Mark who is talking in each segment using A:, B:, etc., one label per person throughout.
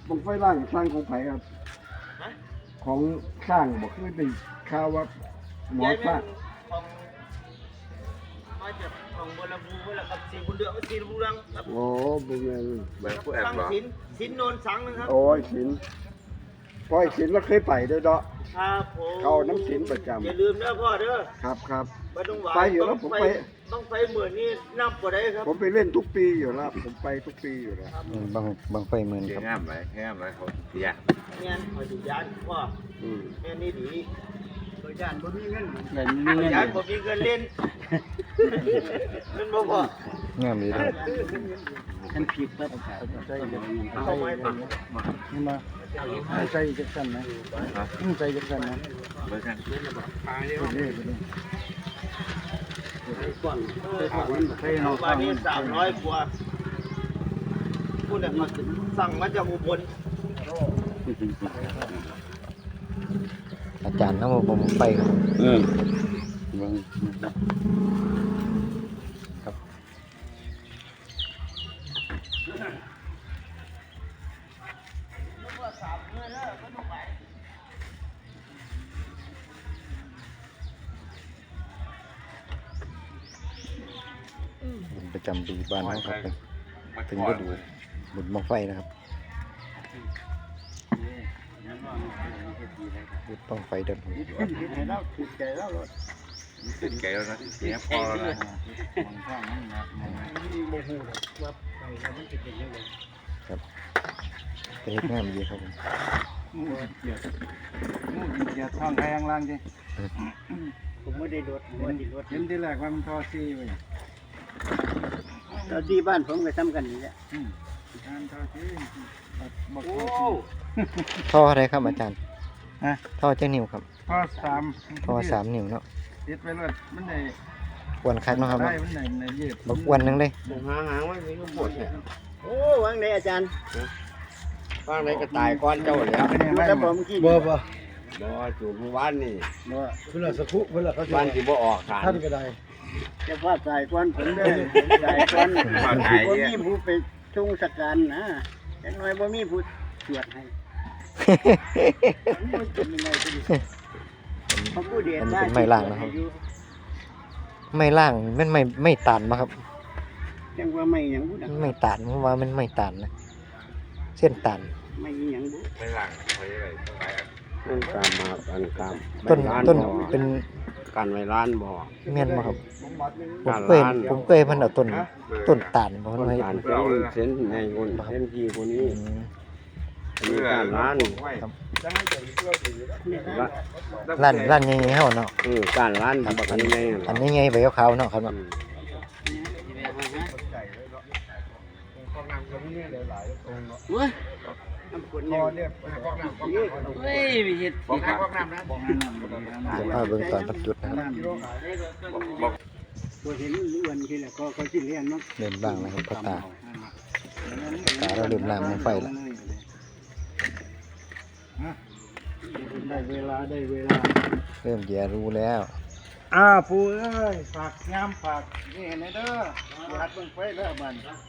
A: บังไฟล่างสร้างของไผ่ครับของสร้างบอกคือได้ข่าวว่าหมอสร้าง
B: มาจากของบัวลำพูแล้วกับสีบุญเดือสีบุญเรืองครับ
A: โอ้บุญเงิน
C: แบบผู้แอบหรอ
B: สินโนนสังนะครับ
A: โอ้ยศิลป์พ่อยศิลป์เราเคยไปด้วยเนาะ
B: ครับผม
A: เข้าน้ำศิลป์ประจำ
B: อย่าลืมนะพ่อเด้อ
A: ครับครับ
B: ไม่ต้องหวาน
A: ไปอยู่แล้วผมไป
B: ต้องไปเหมือนนี่นับกว่าได้ครับ
A: ผมไปเล่นทุกปีอยู่แล้วผมไปทุกปีอยู่แล้ว
D: บางไฟหมื่น
C: เสี
D: ค
C: ย
D: รับ
C: งามไหมงามไหมเขาเสีย
B: เนี่ยคอยดูยานพ่อ
A: อืม
B: แม่นี่ดีโดยยานบ่มีเงิน
A: เล่น
B: โดยยานบ่มีเงินเล่นมันบ่พอง
D: ามดีครับ
A: ฉันผิดแล้วใจเย็น
B: เข้าไม้ปัก
A: นี่มาใจจักสันนะใจจักสันนะ
C: เบอร์กัน
B: บ้านนี้300กว่าผู้เนี่ยเขาสั่งมาจากอุบล
D: อาจารย์น้ำผมไฟครับ ครับประจำปีบ้านนะครับถึงก็ดูบุญบังไฟนะครับบุญบังไฟเดิน
A: ติดใจแล้ว
C: ติดไก่แล้วนะเสียพอแล้วนะ
D: ครับเป็นเฮ็ดงามดีครับผม
A: อย่าท่องใครข้างล่างสิ
B: ผมไม่ได้รถไม่ได้รถ
A: เห็นที่แรกว่ามันทอซี่ไว้
B: ตอนที่บ้านผมก็ทำกันนี่แหละ
A: ทานทอซี่บอก
B: โอ้
D: ท่ออะไรครับอาจารย์
A: ฮะ
D: ท่อเจ้านิ้วครับ
A: ทอสาม
D: ท่อ3 นิ้วเนาะ
A: ติดไปเลยมันได้
D: อ้วนคักเนาะครับ
A: ได้
D: เนาะ
A: มันได้ยืด
D: บักอ้วนหนึงเลย
B: หางมันมีก็ปวดเนี่ยโอ้วางไหนอาจารย์
E: ว่างไรก็ตายก้อนเจ้าแล้ว
B: ดูแต่ผมกิน
A: บ่
E: บ่จูบบ้านนี่
A: บ่เพิ่นละสักคุเพิ่นละเขา
E: บ้านที่บ่ออกขาน
A: ท่านก็ได้
B: จะว่าสายควันผมได้สายควันบ่มีผู้ไปชงสการนะอย่างน้อยบ่มีผู้ตรวจให้มันเป็นยังไงก็ดีเขาผู้เดียด
D: มันเป็นไม้ล่างนะครับ ไม่ล่างมันไม่ตันมาครับ
B: จังว่าไม่หยังบุ
D: มันไม่ตันเพราะว่ามันไม่ตันนะเส้นตัน
B: ไม่หยังบุ
C: ไม่หลังเขาจะไรต้องไรอ่ะ
E: นั่นกามมาอันกาม
D: ต้นเป็น
E: การไว้ร้านบ่
D: เมียนมาครับผม
E: การ
D: เคย
E: ร้าน
D: ผมเคยมันเอาต้นตาลมา
E: ต้น
D: ให้
E: การเส้นในคนเส้นที่คนนี้
D: อืม
E: มีการร้าน
D: ร้านใหญ่ๆเฮาเนาะ
E: การร้านบักอันนี้
D: อันนี้ไงใบขาวๆเนาะครับเนาะ
B: เว้ยน้ำฝนเนี่ยเฮ้ยไปเฮ็ด
C: บอกน้ำบอกน้ำนะ
D: จะพาเบิ่งตอนบรรจุนะครับ
C: บอก
B: บ่เห็นอ้วนคือแหละก็สิเลี้ยงเนาะ
D: เดินบ้างนะครับพ่อตาเราเดินลามลงไฟแล้ว
A: ได้เวลาได้เวลา
D: เริ่มแย่รู้แล้ว
A: ปู่เอ้ยฝากยามฝากนี่เห็นเด้อหัดเบิ่งไฟเด้อบัด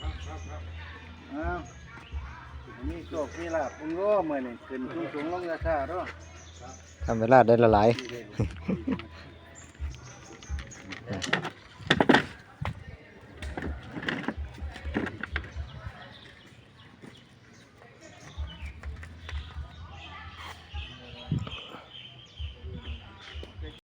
A: มีโชคมีลาภพุ่งโง่มื้อนี้ขึ้นสูงลงช้าๆเด้อ
D: ทำเวลาได้ละหลาย